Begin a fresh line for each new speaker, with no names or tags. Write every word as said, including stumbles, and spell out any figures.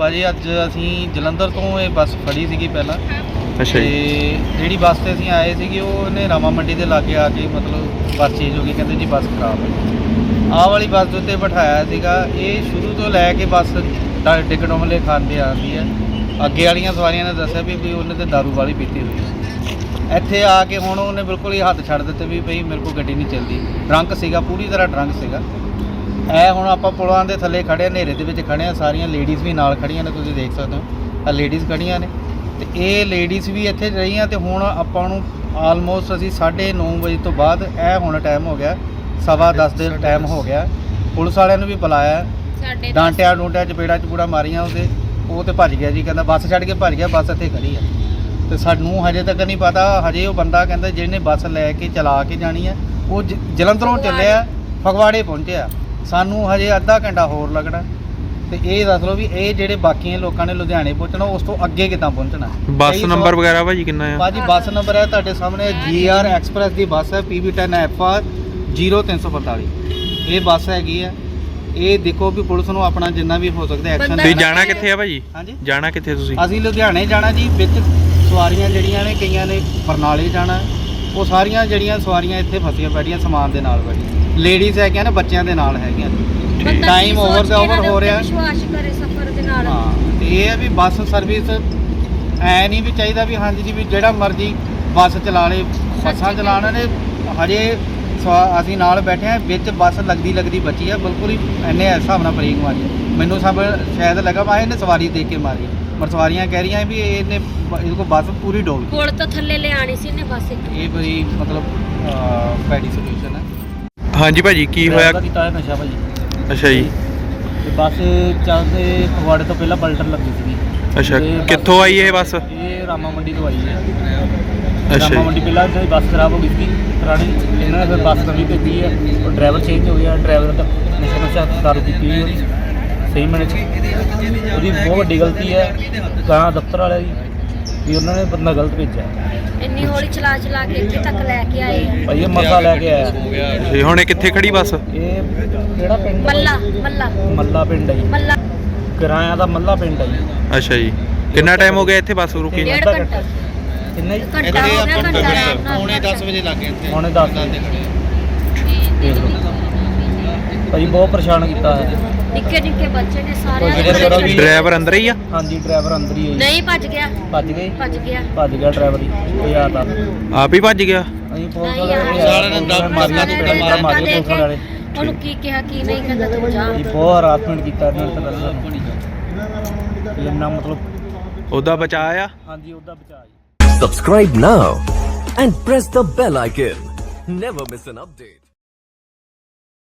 ਭਾਜੀ ਅੱਜ ਅਸੀਂ ਜਲੰਧਰ ਤੋਂ ਇਹ ਬੱਸ ਫੜੀ ਸੀਗੀ ਪਹਿਲਾਂ।
ਅੱਛਾ ਜੀ।
ਤੇ ਜਿਹੜੀ ਬੱਸ ਤੇ ਅਸੀਂ ਆਏ ਸੀਗੇ ਉਹਨੇ ਰਾਮਾ ਮੰਡੀ ਦੇ ਲਾਗੇ ਆ ਕੇ ਮਤਲਬ ਬੱਸ ਚੇਂਜ ਹੋ ਗਈ, ਕਹਿੰਦੇ ਜੀ ਬੱਸ ਖਰਾਬ ਹੈ। ਆਹ ਵਾਲੀ ਬੱਸ ਦੇ ਉੱਤੇ ਬਿਠਾਇਆ ਸੀਗਾ। ਇਹ ਸ਼ੁਰੂ ਤੋਂ ਲੈ ਕੇ ਬੱਸ ਡਿੱਗ ਡੋਮਲੇ ਖਾਂਦੇ ਆਉਂਦੀ ਹੈ। ਅੱਗੇ ਵਾਲੀਆਂ ਸਵਾਰੀਆਂ ਨੇ ਦੱਸਿਆ ਵੀ ਵੀ ਉਹਨੇ ਤੇ ਦਾਰੂ ਵਾਲੀ ਪੀਤੀ ਹੋਈ ਸੀ। ਇੱਥੇ ਆ ਕੇ ਹੁਣ ਉਹਨੇ ਬਿਲਕੁਲ ਹੀ ਹੱਥ ਛੱਡ ਦਿੱਤੇ ਵੀ ਭਈ ਮੇਰੇ ਕੋਲ ਗੱਡੀ ਨਹੀਂ ਚੱਲਦੀ। ਡਰੰਕ ਸੀਗਾ, ਪੂਰੀ ਤਰ੍ਹਾਂ ਡਰੰਕ ਸੀਗਾ। ਇਹ ਹੁਣ ਆਪਾਂ ਪੁਲਾਂ ਦੇ ਥੱਲੇ ਖੜੇ ਹਾਂ, ਹਨੇਰੇ ਦੇ ਵਿੱਚ ਖੜੇ ਹਾਂ, ਸਾਰੀਆਂ ਲੇਡੀਜ਼ ਵੀ ਨਾਲ ਖੜੀਆਂ ਨੇ, ਤੁਸੀਂ ਦੇਖ ਸਕਦੇ ਹੋ ਆ ਲੇਡੀਜ਼ ਖੜੀਆਂ ਨੇ। ਤੇ ਇਹ ਲੇਡੀਜ਼ ਵੀ ਇੱਥੇ ਰਹੀਆਂ। ਤੇ ਹੁਣ ਆਪਾਂ ਨੂੰ ਆਲਮੋਸਟ ਅਸੀਂ ਸਾਢੇ ਨੌ ਵਜੇ ਤੋਂ ਬਾਅਦ ਇਹ ਹੁਣ ਟਾਈਮ ਹੋ ਗਿਆ ਸਵਾ ਦਸ ਦੇ ਟਾਈਮ ਹੋ ਗਿਆ। ਪੁਲਿਸ ਵਾਲਿਆਂ ਨੂੰ ਵੀ ਬੁਲਾਇਆ, ਡਾਂਟਿਆ ਡੂੰਟਿਆ, ਚਪੇੜਾ ਚਪੂੜਾ ਮਾਰੀਆਂ ਉਹਦੇ। ਉਹ ਤੇ ਭੱਜ ਗਿਆ ਜੀ, ਕਹਿੰਦਾ ਬੱਸ ਛੱਡ ਕੇ ਭੱਜ ਗਿਆ। ਬੱਸ ਇੱਥੇ ਖੜੀ ਆ ਤੇ ਸਾਨੂੰ ਹਜੇ ਤੱਕ ਨਹੀਂ ਪਤਾ। ਹਜੇ ਉਹ ਬੰਦਾ ਕਹਿੰਦਾ ਜਿਹਨੇ ਬੱਸ ਲੈ ਕੇ ਚਲਾ ਕੇ ਜਾਣੀ ਹੈ ਉਹ ਜ ਜਲੰਧਰੋਂ ਚੱਲਿਆ, ਫਗਵਾੜੇ ਪਹੁੰਚਿਆ। ਸਾਨੂੰ ਹਜੇ ਅੱਧਾ ਘੰਟਾ ਹੋਰ ਲੱਗਣਾ। ਤੇ ਇਹ ਦੱਸ ਲਓ ਵੀ ਇਹ ਜਿਹੜੇ ਬਾਕੀਆਂ ਲੋਕਾਂ ਨੇ ਲੁਧਿਆਣੇ ਪਹੁੰਚਣਾ, ਉਸ ਤੋਂ ਅੱਗੇ ਕਿੱਦਾਂ ਪਹੁੰਚਣਾ।
ਬੱਸ ਨੰਬਰ ਵਗੈਰਾ ਭਾਜੀ ਕਿੰਨਾ ਆ?
ਭਾਜੀ ਬੱਸ ਨੰਬਰ ਹੈ ਤੁਹਾਡੇ ਸਾਹਮਣੇ, ਜੀ ਆਰ ਐਕਸਪ੍ਰੈਸ ਦੀ ਬੱਸ ਹੈ, P B ten F R zero ਤਿੰਨ ਸੌ ਪੰਤਾਲੀ। ਇਹ ਬੱਸ ਹੈਗੀ ਆ। ਇਹ ਦੇਖੋ ਵੀ ਪੁਲਿਸ ਨੂੰ ਆਪਣਾ ਜਿੰਨਾ ਵੀ ਹੋ ਸਕਦਾ ਐਕਸ਼ਨ।
ਤੁਸੀਂ ਜਾਣਾ ਕਿੱਥੇ ਆ ਭਾਜੀ?
ਹਾਂਜੀ,
ਜਾਣਾ ਕਿੱਥੇ ਤੁਸੀਂ?
ਅਸੀਂ ਲੁਧਿਆਣੇ ਜਾਣਾ ਜੀ। ਵਿੱਚ ਸਵਾਰੀਆਂ ਜਿਹੜੀਆਂ ਨੇ, ਕਈਆਂ ਨੇ ਬਰਨਾਲੇ ਜਾਣਾ। ਉਹ ਸਾਰੀਆਂ ਜਿਹੜੀਆਂ ਸਵਾਰੀਆਂ ਇੱਥੇ ਫਸੀਆਂ ਬੈਠੀਆਂ ਸਮਾਨ ਦੇ ਨਾਲ ਬੈਠੀਆਂ। ਲੇਡੀਜ਼ ਹੈਗੀਆਂ ਨੇ, ਬੱਚਿਆਂ ਦੇ ਨਾਲ ਹੈਗੀਆਂ। ਟਾਈਮ ਓਵਰ ਦਾ ਓਵਰ ਹੋ ਰਿਹਾ।
ਵਿਸ਼ਵਾਸ ਕਰੇ ਸਫ਼ਰ ਦੇ ਨਾਲ।
ਹਾਂ, ਤੇ ਇਹ ਹੈ ਵੀ ਬੱਸ ਸਰਵਿਸ ਐ ਨਹੀਂ ਵੀ ਚਾਹੀਦਾ ਵੀ ਹਾਂਜੀ ਜੀ ਵੀ ਜਿਹੜਾ ਮਰਜ਼ੀ ਬੱਸ ਚਲਾ ਲੇ। ਬੱਸਾਂ ਚਲਾਉਣ ਨੇ ਹਜੇ ਅਸੀਂ ਨਾਲ ਬੈਠੇ ਹਾਂ, ਵਿੱਚ ਬੱਸ ਲੱਗਦੀ ਲੱਗਦੀ ਬਚੀ ਆ ਬਿਲਕੁਲ ਹੀ। ਇੰਨੇ ਹਿਸਾਬ ਨਾਲ ਬ੍ਰੇਕ ਮਾਰੀ ਮੈਨੂੰ ਸਭ ਸ਼ਾਇਦ ਲੱਗਾ ਮੈਂ ਇਹਨੇ ਸਵਾਰੀ ਦੇਖ ਕੇ ਮਾਰੀ, ਪਰ ਸਵਾਰੀਆਂ ਕਹਿ ਰਹੀਆਂ ਵੀ ਇਹਨੇ ਇਹਦੇ ਕੋਲ ਬੱਸ ਪੂਰੀ ਡੋਲ ਗਈ।
ਪੁਲ ਤੋਂ ਥੱਲੇ ਲਿਆਣੀ ਸੀ ਇਹਨੇ ਬੱਸ।
ਇਹ ਬੜੀ ਮਤਲਬ ਪੈਡੀ ਸੋਲੂਸ਼ਨ ਹੈ।
ਹਾਂਜੀ ਭਾਜੀ ਕੀ ਹੋਇਆ?
ਕੀਤਾ ਹੈ ਨਸ਼ਾ ਭਾਜੀ।
ਅੱਛਾ ਜੀ।
ਤੇ ਬੱਸ ਚੱਲਦੇ ਫਗਵਾੜੇ ਤੋਂ ਪਹਿਲਾਂ ਪਲਟਰ ਲੱਗੀ ਸੀਗੀ।
ਅੱਛਾ, ਕਿੱਥੋਂ ਆਈ ਇਹ ਬੱਸ?
ਇਹ ਰਾਮਾ ਮੰਡੀ ਤੋਂ ਆਈ ਹੈ।
ਅੱਛਾ
ਰਾਮਾ ਮੰਡੀ ਪਹਿਲਾਂ ਇੱਥੇ ਬੱਸ ਖਰਾਬ ਹੋ ਗਈ ਸੀ ਪੁਰਾਣੀ, ਇਹਨਾਂ ਨੇ ਫਿਰ ਬੱਸ ਨਵੀਂ ਭੇਜੀ ਹੈ। ਉਹ ਡਰਾਈਵਰ ਚੇਂਜ ਹੋ ਗਿਆ। ਡਰਾਈਵਰ ਦਾ ਨਸ਼ਾ ਨਸ਼ਾ ਦਾਰੂ ਪੀਤੀ ਹੋਈ ਉਹਦੀ ਸਹੀ ਮੈਨੇ 'ਚ। ਉਹਦੀ ਬਹੁਤ ਵੱਡੀ ਗਲਤੀ ਹੈ ਗਾਂ ਦਫ਼ਤਰ ਵਾਲਿਆਂ ਦੀ ਵੀ ਉਹਨਾਂ ਨੇ ਬੰਦਾ ਗਲਤ ਭੇਜਿਆ।
ਇੰਨੀ ਹੌਲੀ ਚਲਾ ਚਲਾ ਕੇ ਇੱਥੇ ਤੱਕ ਲੈ ਕੇ ਆਏ ਆ
ਭਾਈ। ਇਹ ਮਸਾ ਲੈ ਕੇ ਆਇਆ।
ਤੇ ਹੁਣ ਇਹ ਕਿੱਥੇ ਖੜੀ ਬੱਸ?
ਇਹ ਕਿਹੜਾ ਪਿੰਡ?
ਮੱਲਾ ਮੱਲਾ
ਮੱਲਾ ਪਿੰਡ ਹੈ ਜੀ।
ਮੱਲਾ
ਕਿਰਾਇਆ ਦਾ ਮੱਲਾ ਪਿੰਡ ਹੈ ਜੀ।
ਅੱਛਾ ਜੀ। ਕਿੰਨਾ ਟਾਈਮ ਹੋ ਗਿਆ ਇੱਥੇ ਬੱਸ ਰੁਕੀ?
ਡੇਢ ਘੰਟਾ
ਕਿੰਨਾ ਜੀ?
ਘੰਟਾ ਹੋ ਗਿਆ। ਘੰਟਾ
ਪੌਣੇ ਦਸ ਵਜੇ ਲੱਗੇ ਇੱਥੇ। ਪੌਣੇ ਦਸ ਦੇ ਖੜੇ ਦੇਖ ਲਓ ਭਾਈ, ਬਹੁਤ ਪਰੇਸ਼ਾਨ ਕੀਤਾ ਹੈ।
ਨਿੱਕੇ ਨਿੱਕੇ ਬੱਚੇ ਨੇ ਸਾਰੇ।
ਡਰਾਈਵਰ ਅੰਦਰ ਹੀ ਆ?
ਹਾਂਜੀ, ਡਰਾਈਵਰ ਅੰਦਰ ਹੀ ਹੈ।
ਨਹੀਂ ਭੱਜ ਗਿਆ।
ਭੱਜ ਗਏ?
ਭੱਜ ਗਿਆ
ਭੱਜ ਗਿਆ ਡਰਾਈਵਰ ਹੀ। ਇਹ ਆ ਤਾਂ
ਆਪ ਹੀ ਭੱਜ ਗਿਆ?
ਅਸੀਂ ਪੁਲਿਸ ਵਾਲੇ ਸਾਰਿਆਂ ਨੇ ਦਮ ਮਾਰਿਆ ਤੇ ਮਾਰਿਆ ਮਾਰਿਆ ਪੁਲਿਸ ਵਾਲੇ।
ਉਹਨੂੰ ਕੀ ਕਿਹਾ ਕੀ ਨਹੀਂ ਕਹਿੰਦਾ ਤੂੰ ਜਾ।
ਇਹ ਬਹੁਤ ਹਰਾਸਮੈਂਟ ਕੀਤਾ ਇਹਨਾਂ ਨੇ ਤਾਂ ਦੱਸਿਆ ਇੰਨਾ ਮਤਲਬ।
ਉਹਦਾ ਬਚਾ ਆ?
ਹਾਂਜੀ, ਉਹਦਾ ਬਚਾ ਜੀ।
Subscribe now and press the bell icon. Never miss an update.